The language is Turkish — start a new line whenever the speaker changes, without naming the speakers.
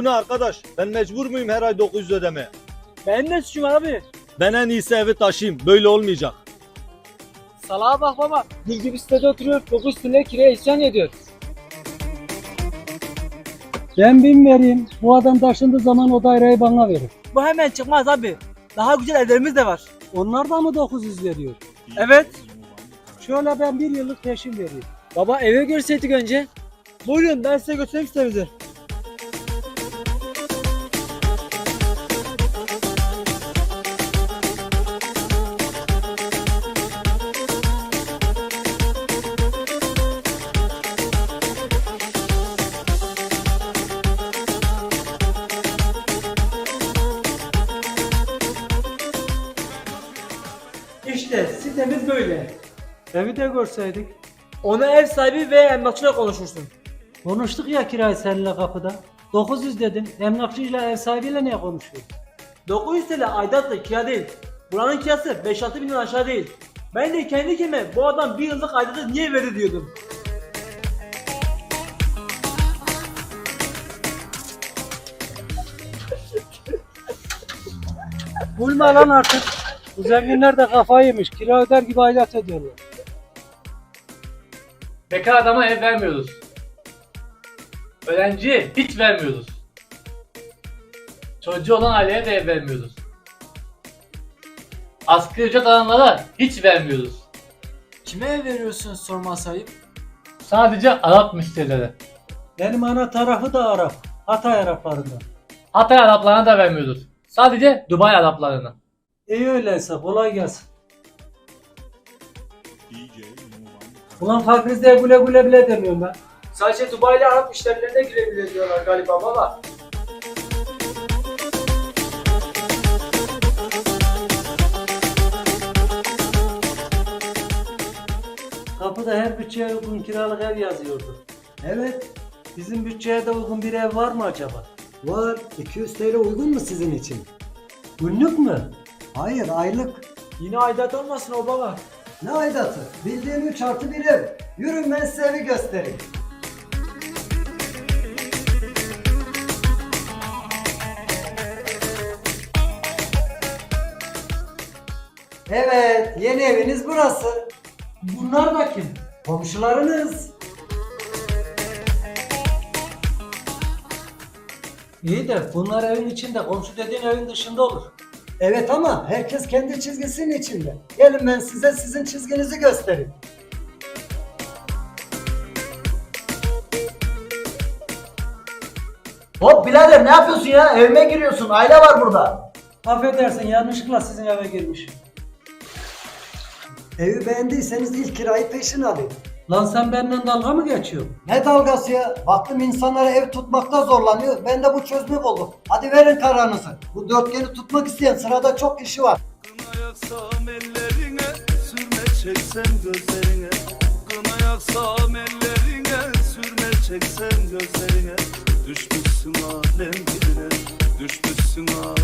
bu ne arkadaş? Ben mecbur muyum her ay 900 ödemeye?
Benim ne suçum abi?
Ben en iyisi evi taşıyayım. Böyle olmayacak.
Salaha bak baba. Gül gibi sitede oturuyor. 9 TL kiraya isyan ediyor.
Ben 1000 vereyim. Bu adam taşındığı zaman o daireyi bana verir.
Bu hemen çıkmaz abi. Daha güzel evlerimiz de var.
Onlar da mı 900 veriyor?
Evet.
Şöyle ben 1 yıllık peşin vereyim.
Baba eve görseydik önce. Buyurun ben size götüreyim sitemizi. İşte sitemiz böyle.
Evi de görseydik.
Onu ev sahibi ve emlakçıyla konuşursun.
Konuştuk ya kirayı seninle kapıda. 900 dedin. Emlakçıyla ev sahibiyle niye konuşuyorsun?
900 TL aidatla kira değil. Buranın kirası 5-6 binden aşağı değil. Ben de kendi kendime bu adam bir yıllık aidatı niye verdi diyordum.
Bulma lan artık. Bu zenginler de kafayı yemiş. Kira öder gibi aidat ediyorlar.
Bekar adama ev vermiyoruz. Öğrenciye hiç vermiyoruz. Çocuğu olan aileye de ev vermiyoruz. Asgari ücret alanlara hiç vermiyoruz.
Kime ev veriyorsunuz sorma sahip?
Sadece Arap müşterilere.
Benim ana tarafı da Arap. Hatay Araplarından.
Hatay Araplarına da vermiyoruz. Sadece Dubai Araplarına.
İyi öyleyse kolay gelsin. Ulan fakrizde güle güle bile demiyorum ben.
Sadece Dubai'li Arap müşterilerine girebilir diyorlar galiba baba.
Kapıda her bütçeye uygun kiralık ev yazıyordu. Evet. Bizim bütçeye de uygun bir ev var mı acaba?
Var. 200 TL uygun mu sizin için?
Günlük mü?
Hayır, aylık.
Yine aidat olmasın o baba.
Ne aidatı? Bildiğin 3+1 ev. Yürün ben size evi göstereyim. Evet, yeni eviniz burası.
Bunlar da kim?
Komşularınız.
İyi de bunlar evin içinde, komşu dediğin evin dışında olur.
Evet ama herkes kendi çizgisinin içinde. Gelin ben size sizin çizginizi göstereyim.
Hop birader ne yapıyorsun ya? Evime giriyorsun. Aile var burada.
Affedersin yanlışlıkla sizin eve girmişim.
Evi beğendiyseniz ilk kirayı peşin alın.
Lan sen benimle dalga mı geçiyorsun?
Ne dalgası ya? Baktım insanlara ev tutmakta zorlanıyor. Ben de bu çözümü buldum. Hadi verin kararınızı. Bu dörtgeni tutmak isteyen sırada çok kişi var.
Kına yaksam ellerine, sürme çeksem gözlerine. Kına yaksam ellerine, sürme çeksem gözlerine. Düşmüşsün alem dibine, düşmüşsün alem